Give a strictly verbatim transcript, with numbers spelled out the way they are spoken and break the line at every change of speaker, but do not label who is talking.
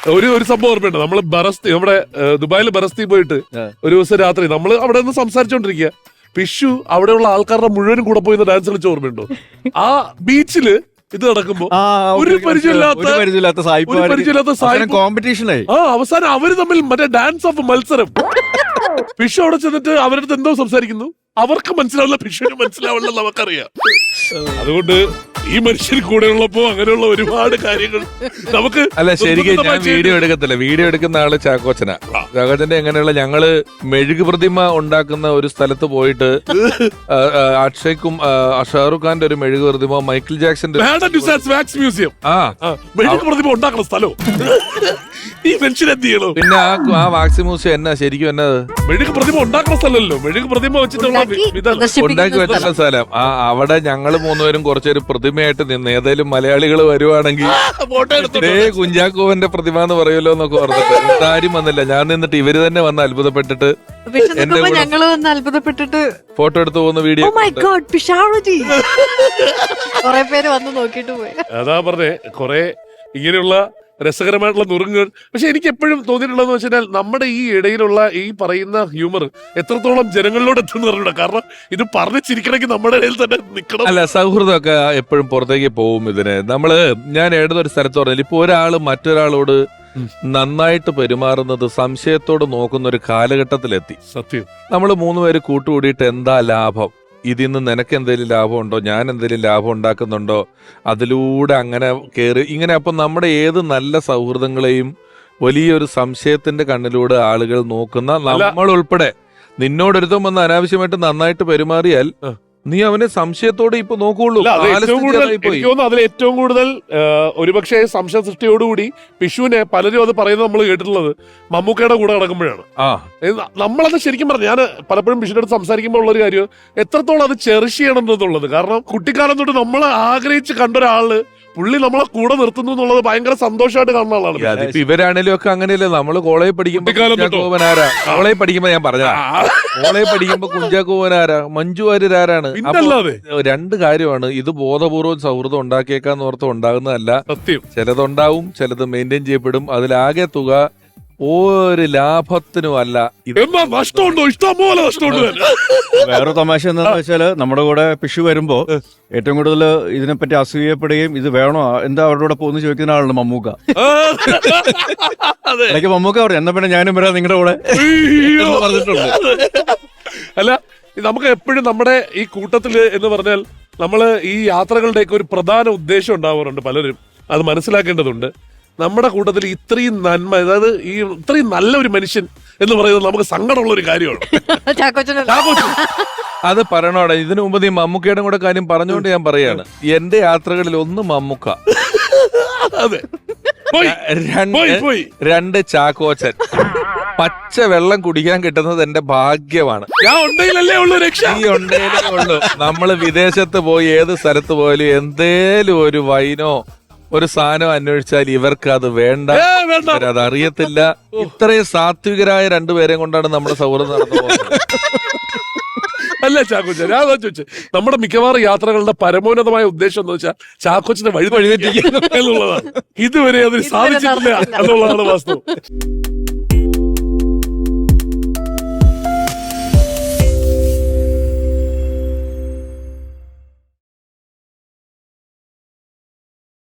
ഒരു ഒരു സംഭവം ഓർമ്മയുണ്ട്. നമ്മള് ബറസ്തി നമ്മുടെ ദുബായിൽ ബറസ്തി പോയിട്ട് ഒരു ദിവസം രാത്രി നമ്മള് അവിടെ നിന്ന് സംസാരിച്ചോണ്ടിരിക്കുക. പിഷു അവിടെയുള്ള ആൾക്കാരുടെ മുഴുവനും കൂടെ പോയി ഡാൻസ് കളിച്ച ഓർമ്മയുണ്ടോ? ആ ബീച്ചില് ഇത് നടക്കുമ്പോ ഒരു പരിചയമില്ലാത്ത പരിചയമില്ലാത്ത
കോമ്പറ്റീഷനായി.
ആ അവസാനം അവര് തമ്മിൽ മറ്റേ ഡാൻസ് ഓഫ് മത്സരം. പിഷു അവിടെ ചെന്നിട്ട് അവരടുത്ത് എന്തോ സംസാരിക്കുന്നു. അവർക്ക് മനസ്സിലാവില്ല, പിഷുവിന് മനസ്സിലാവില്ല, നമുക്കറിയാം. അതുകൊണ്ട് ഈ മനുഷ്യൻ കൂടെ ഉള്ളപ്പോ അങ്ങനെയുള്ള ഒരുപാട് കാര്യങ്ങൾ നമുക്ക്.
അല്ല ശരിക്കും ഞാൻ വീഡിയോ എടുക്കത്തില്ല, വീഡിയോ എടുക്കുന്ന ആള് ചാക്കോച്ചനാ. ചാക്കോച്ചന്റെ എങ്ങനെയുള്ള ഞങ്ങള് മെഴുക് പ്രതിമ ഉണ്ടാക്കുന്ന ഒരു സ്ഥലത്ത് പോയിട്ട് അക്ഷയ്ക്കും ഷാറുഖ് ഖാന്റെ ഒരു മെഴുക് പ്രതിമ, മൈക്കിൾ ജാക്സന്റെ
മ്യൂസിയം
ആ
മെഴുക് പ്രതിമ ഉണ്ടാക്കുന്ന സ്ഥലം. ഈ മനുഷ്യൻ എന്ത് ചെയ്യണോ?
പിന്നെ ആ ആ വാക്സി മ്യൂസിയം എന്നാ ശരിക്കും എന്നത്
മെഴുക് പ്രതിമ ഉണ്ടാക്കുന്ന സ്ഥലമല്ലോ, മെഴുക് പ്രതിമ വെച്ചിട്ടുള്ള
ഉണ്ടാക്കി വെച്ചിട്ടുള്ള സ്ഥലം. ആ അവിടെ ഞങ്ങള് മൂന്നുപേരും കുറച്ചൊരു പ്രതിമയായിട്ട് നിന്ന് ഏതായാലും മലയാളികൾ വരുവാണെങ്കിൽ കുഞ്ചാക്കോവന്റെ പ്രതിമ എന്ന് പറയുമല്ലോ എന്നൊക്കെ പറഞ്ഞിട്ട് ആരും വന്നില്ല. ഞാൻ നിന്നിട്ട് ഇവര് തന്നെ വന്ന് അത്ഭുതപ്പെട്ടിട്ട്
ഞങ്ങള് വന്ന് അത്ഭുതപ്പെട്ടിട്ട്
ഫോട്ടോ എടുത്തു പോകുന്ന വീഡിയോ.
കൊറേ പേര് വന്ന് നോക്കിട്ട് പോയി.
അതാ പറഞ്ഞേ, കൊറേ ഇങ്ങനെയുള്ള രസകരമായിട്ടുള്ള നുറുങ്ങുകൾ. പക്ഷെ എനിക്ക് എപ്പോഴും തോന്നിയിട്ടുള്ളതെന്ന് വെച്ചാൽ നമ്മുടെ ഈ ഇടയിലുള്ള ഈ പറയുന്ന ഹ്യൂമർ എത്രത്തോളം ജനങ്ങളിലോട് എത്തുന്ന പറഞ്ഞൂടാ. കാരണം ഇത് പറഞ്ഞു ചിരിക്കണമെങ്കിൽ നമ്മുടെ ഇടയിൽ തന്നെ നിൽക്കണം.
അല്ല, സൗഹൃദമൊക്കെ എപ്പോഴും പുറത്തേക്ക് പോവും. ഇതിന് നമ്മള് ഞാൻ ഏതൊരു സ്ഥലത്ത് പറഞ്ഞാൽ ഇപ്പൊ ഒരാള് മറ്റൊരാളോട് നന്നായിട്ട് പെരുമാറുന്നത് സംശയത്തോട് നോക്കുന്ന ഒരു കാലഘട്ടത്തിലെത്തി.
സത്യം.
നമ്മള് മൂന്നുപേര് കൂട്ടുകൂടിയിട്ട് എന്താ ലാഭം, ഇതിൽ നിന്ന് നിനക്ക് എന്തെങ്കിലും ലാഭമുണ്ടോ, ഞാൻ എന്തെങ്കിലും ലാഭം ഉണ്ടാക്കുന്നുണ്ടോ, അതിലൂടെ അങ്ങനെ കയറി ഇങ്ങനെ. അപ്പം നമ്മുടെ ഏത് നല്ല സൗഹൃദങ്ങളെയും വലിയൊരു സംശയത്തിന്റെ കണ്ണിലൂടെ ആളുകൾ നോക്കുന്ന നമ്മൾ ഉൾപ്പെടെ. നിന്നോടൊരുത്തം വന്ന് അനാവശ്യമായിട്ട് നന്നായിട്ട് പെരുമാറിയാൽ നീ അവനെ സംശയത്തോടെ ഇപ്പൊ നോക്കുള്ളൂ.
അതിൽ ഏറ്റവും കൂടുതൽ ഒരുപക്ഷെ സംശയ സൃഷ്ടിയോടുകൂടി പിഷുവിനെ പലരും അത് പറയുന്നത് നമ്മൾ കേട്ടിട്ടുള്ളത് മമ്മൂക്കയുടെ കൂടെ നടക്കുമ്പോഴാണ്. നമ്മളത് ശരിക്കും പറഞ്ഞു, ഞാൻ പലപ്പോഴും പിഷുവിന്റെ അടുത്ത് സംസാരിക്കുമ്പോൾ ഉള്ളൊരു കാര്യം എത്രത്തോളം അത് ചെറിഷ് ചെയ്യണം എന്നുള്ളത്. കാരണം കുട്ടിക്കാലം തൊട്ട് നമ്മൾ ആഗ്രഹിച്ച് കണ്ടൊരാള് പുള്ളി നമ്മളെ കൂടെ നിർത്തുന്നു എന്നുള്ളത് ഭയങ്കര സന്തോഷമായിട്ട് കാണുന്ന ആളാണ്.
ഇവരാണേലും ഒക്കെ അങ്ങനെയല്ലേ. നമ്മള് കോളേജ് പഠിക്കുമ്പോ കുഞ്ചാക്കോവനാരാ, കോളേജ് പഠിക്കുമ്പോ ഞാൻ പറഞ്ഞ കോളേജ് പഠിക്കുമ്പോ കുഞ്ചാക്കോവനാരാ, മഞ്ജു വാര്യരാരാണ്. രണ്ട് കാര്യമാണ്. ഇത് ബോധപൂർവ്വം സൗഹൃദം ഉണ്ടാക്കിയേക്കാന്ന് ഓർത്ത് ഉണ്ടാകുന്നതല്ല.
സത്യം.
ചിലതുണ്ടാവും, ചിലത് മെയിൻറ്റെയിൻ ചെയ്യപ്പെടും. അതിലാകെ തുക ഒരു ലാഭത്തിനും അല്ല.
നഷ്ടമുണ്ടോ? ഇഷ്ടംപോലെ നഷ്ടമുണ്ട്.
വേറെ തമാശ എന്താണെന്ന് വെച്ചാല് നമ്മുടെ കൂടെ പിഷു വരുമ്പോ ഏറ്റവും കൂടുതൽ ഇതിനെപ്പറ്റി അസൂയപ്പെടുകയും ഇത് വേണോ എന്താ അവരുടെ കൂടെ പോകുന്ന ചോദിക്കുന്ന ആളാണ് മമ്മൂക്ക. ഇടയ്ക്ക് മമ്മൂക്ക പറഞ്ഞു എന്നാ പിന്നെ ഞാനും വരാം നിങ്ങളുടെ കൂടെ പറഞ്ഞിട്ടുണ്ട്.
അല്ല, നമുക്ക് എപ്പോഴും നമ്മുടെ ഈ കൂട്ടത്തില് എന്ന് പറഞ്ഞാൽ നമ്മള് ഈ യാത്രകളുടെയൊക്കെ ഒരു പ്രധാന ഉദ്ദേശം ഉണ്ടാവാറുണ്ട്. പലരും അത് മനസ്സിലാക്കേണ്ടതുണ്ട്. നമ്മുടെ കൂട്ടത്തിൽ ഇത്രയും നന്മ, അതായത് ഈ ഇത്രയും നല്ല ഒരു മനുഷ്യൻ എന്ന് പറയുന്നത് നമുക്ക് സങ്കടമുള്ള ഒരു കാര്യമാണ്.
അത് പറയണോടെ. ഇതിനു മുമ്പ് നീ മമ്മൂക്കയുടെ കൂടെ കാര്യം പറഞ്ഞുകൊണ്ട് ഞാൻ പറയാണ്, എന്റെ യാത്രകളിൽ ഒന്ന് മമ്മൂക്ക,
അതെ,
രണ്ട് ചാക്കോച്ചൻ. പച്ച വെള്ളം കുടിക്കാൻ കിട്ടുന്നത് എന്റെ ഭാഗ്യമാണ്.
ഞാൻ ഉണ്ടെങ്കിലല്ലേ ഉള്ളൂ രക്ഷ.
ഈ ഉണ്ടെങ്കിലേ ഉള്ളൂ. നമ്മള് വിദേശത്ത് പോയി ഏത് സ്ഥലത്ത് പോയാലും എന്തേലും ഒരു വൈനോ ഒരു സാധനം അന്വേഷിച്ചാൽ ഇവർക്ക് അത് വേണ്ട, അത് അറിയത്തില്ല. ഇത്രയും സാത്വികരായ രണ്ടുപേരെയും കൊണ്ടാണ് നമ്മുടെ സൗഹൃദം നടന്നു പോകുന്നത്.
അല്ല ചാക്കോച്ച, ഞാൻ ചോദിച്ചു, നമ്മുടെ മിക്കവാറും യാത്രകളുടെ പരമോന്നതമായ ഉദ്ദേശം എന്ന് വെച്ചാൽ ചാക്കോച്ചിനെ വഴി വഴിതെറ്റിക്കുക എന്നുള്ളതാണ്. ഇതുവരെ അതിന് സാധിച്ചിട്ടില്ല എന്നുള്ളതാണ് വാസ്തവം.